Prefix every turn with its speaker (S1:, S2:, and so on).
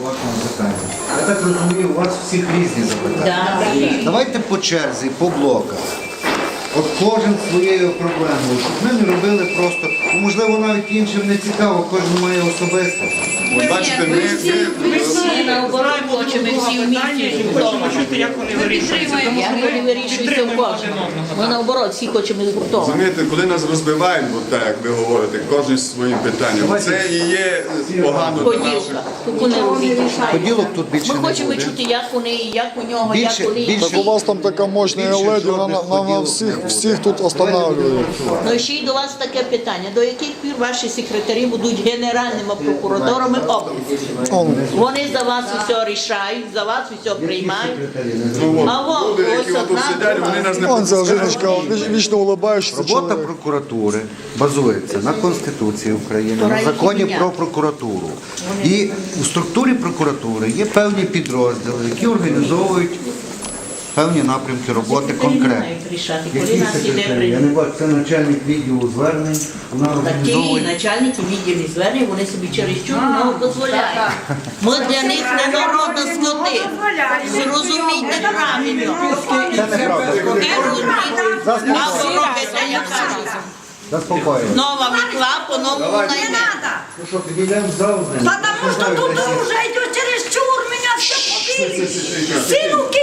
S1: по вашому питанню. Я так розумію, у вас всіх різні запитання. Давайте по черзі, по блоках. От кожен своєю проблемою, щоб ми не робили просто, можливо, навіть іншим не цікаво, кожен має особисте.
S2: От бачите,
S3: Ми всі наоборот хочемо, всі в місті вдома.
S2: як вони вирішуються.
S3: Як вони вирішуються в кожному. Ми наоборот всі хочемо вдома.
S2: Розумієте, коли нас розбивають, от так, як ви говорите, кожен зі своїм питанням, це і є погано для наших.
S3: Поділка. Вони розрішають.
S1: Поділок тут більше
S3: Ми
S1: не
S3: хочемо
S1: буде.
S3: чути, як вони, як у нього, як
S1: Більше-
S3: вони.
S1: більше-
S4: Так у вас там така мощна леді, вона всіх тут останавливає.
S3: Ну і ще й до вас таке питання. До яких пір ваші секретарі будуть генеральними прокураторами області? Вони за вас усе рішають, за вас усе приймають.
S2: Ну,
S3: А
S2: от,
S3: вон,
S2: люди,
S3: ось
S2: які тут
S3: одна
S2: сидять, вони нас не
S4: Он ця
S2: пропускають.
S4: жіночка, вічно улыбаючися
S1: Робота
S4: чоловік.
S1: прокуратури базується на Конституції України, на законі про прокуратуру. І у структурі прокуратури є певні підрозділи, які організовують певні напрямки роботи конкретно.
S3: Рішати, коли
S1: Які
S3: нас іде
S1: секретарі? Я
S3: прийняти.
S1: не бачу, це начальник відділу звернень, вона
S3: Такі
S1: організовує.
S3: начальники відділів звернень, вони собі чересчур много дозволяють. Ми для них не народна скоти. Зрозумійте правильно.
S1: Це неправда.
S3: А ви робите, як кажуть.
S1: Заспокоюємо.
S3: Нова мітла, по-новому найме.
S1: Ну що, підійдемо в зал?
S5: Потому что тут уже идет чересчур, меня все побили. Все руки